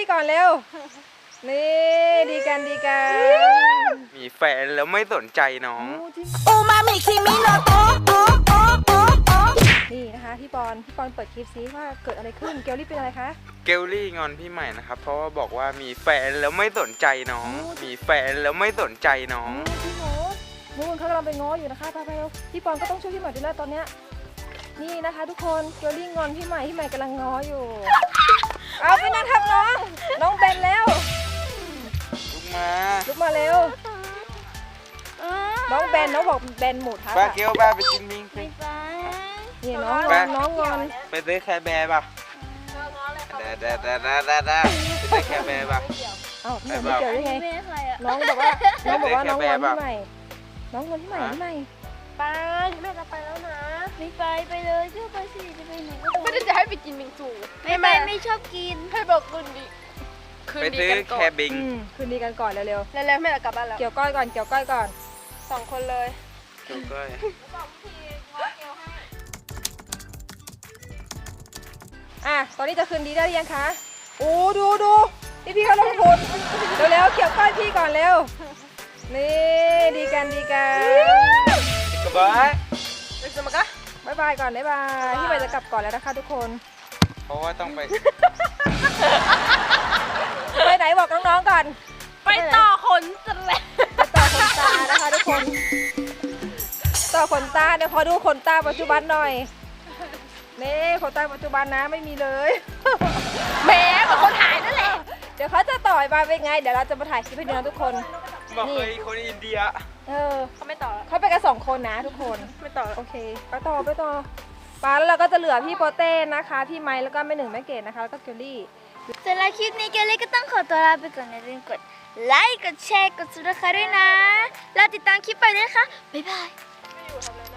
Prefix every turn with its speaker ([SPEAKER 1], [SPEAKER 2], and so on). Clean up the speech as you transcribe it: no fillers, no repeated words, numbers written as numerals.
[SPEAKER 1] ก่อนเร็วนี่ดีกัน
[SPEAKER 2] มีแฟนแล้วไม่สนใจน้อง
[SPEAKER 3] อูมามิคิมิโนโตะ
[SPEAKER 1] นี่นะคะพี่ปอนเปิดคลิปซิว่าเกิดอะไรขึ้นเกลลี่เป็นอะไรคะ
[SPEAKER 2] เกลลี่งอนพี่ใหม่นะครับเพราะว่าบอกว่ามีแฟนแล้วไม่สนใจน้อง มีแฟนแล้วไม่สนใจน้อง
[SPEAKER 1] พี่หนูนู่นเขากำลังไปง้ออยู่นะคะไปเร็วพี่ปอนก็ต้องช่วยพี่ใหม่ด้วยนะตอนเนี้ยนี่นะคะทุกคนเกลลี่งอนพี่ใหม่กำลังง้ออยู่เอาไปนั่งทับน้องเบนแล้ว
[SPEAKER 2] ลุกมา
[SPEAKER 1] ลุกมาเร็วน้องบอกเบนหมูทับ
[SPEAKER 2] ป้า
[SPEAKER 1] อะ
[SPEAKER 2] เกลป้าไปกินมิงสิ
[SPEAKER 1] นี่น้องงอน
[SPEAKER 2] ไปซื้อแคร์แบร์ป่ะเด้ไปซื้อแคร์แบร์ป่ะ
[SPEAKER 1] เอ้าพี่ใหม่ไม่เกี่ยวได้ไงน้องบอกว่าน้องงอนพี่ใหม่น้องงอนพี่ใหม่ไปแม่จะไปแล้วนะ
[SPEAKER 4] ไม่ไปเลยเชื่อไปสิจะไปไหนก็
[SPEAKER 5] ไม่ได้จะให้ไปกินบิงซู
[SPEAKER 4] ไม่ชอบกิน
[SPEAKER 5] ให้บอกคืนดี
[SPEAKER 2] ไปซื้อ
[SPEAKER 5] กันก่
[SPEAKER 2] แค
[SPEAKER 5] อน
[SPEAKER 2] ร์บิง
[SPEAKER 1] คืนดีกันก่อนเร็ว
[SPEAKER 5] แล้วแม่จะกลับบ้านแล้ว
[SPEAKER 1] ๆเกี่ยวก้อยก่อน
[SPEAKER 5] 2 คนเลย
[SPEAKER 2] เกลก้อย
[SPEAKER 1] ตอนนี้จะคืนดีได้หรือยังคะโอ้ดูพี่เขาลงทุนเร็วๆเกี่ยวก้อยพี่ก่อนเร็วนี่ดีกัน
[SPEAKER 2] กระบะ
[SPEAKER 5] เด็กสมักะ
[SPEAKER 1] บ๊ายบายก่อนบ๊ายบายพี่ใหม่จะกลับก่อนแล้วนะคะทุกคน
[SPEAKER 2] เพราะว่าต้องไป
[SPEAKER 1] ไปไหนบอกน้องๆก่อน
[SPEAKER 5] ไปต่อขนสแลบ
[SPEAKER 1] ไปต่อขนตานะคะทุกคนต่อขนตาเนี่ยขอดูขนตาปัจจุบันหน่อยนี่ขนตาปัจจุบันนะไม่มีเลย
[SPEAKER 5] แหมเหมือนคนหายนั่นแหละ
[SPEAKER 1] เดี๋ยวเขาจะต่อยมาเป็นไงเดี๋ยวเราจะมาถ่ายคลิปให้ดูนะทุกคน
[SPEAKER 2] บอกเคยคนอินเดีย
[SPEAKER 5] เขาไม่ต่อแล้ว
[SPEAKER 1] เขาไปกัน2 คนนะทุกคน
[SPEAKER 5] ไม่ต่อแล้ว
[SPEAKER 1] โอเคไปต่อปแล้วเราก็จะเหลือพี่โปเต้นะคะพี่ไมค์แล้วก็แม่หนึ่งแม่เกดนะคะแล้วก็เกลลี่
[SPEAKER 4] สำหรับคลิปนี้เกลลี่ก็ต้องขอตัวลาไปก่อนอย่าลืมกดไลค์กดแชร์กดซับสไครต์ด้วยนะแล้วติดตามคลิปไปด้วยนะคะบ๊ายบาย
[SPEAKER 5] ไม่อยู่ทำอะไรนะ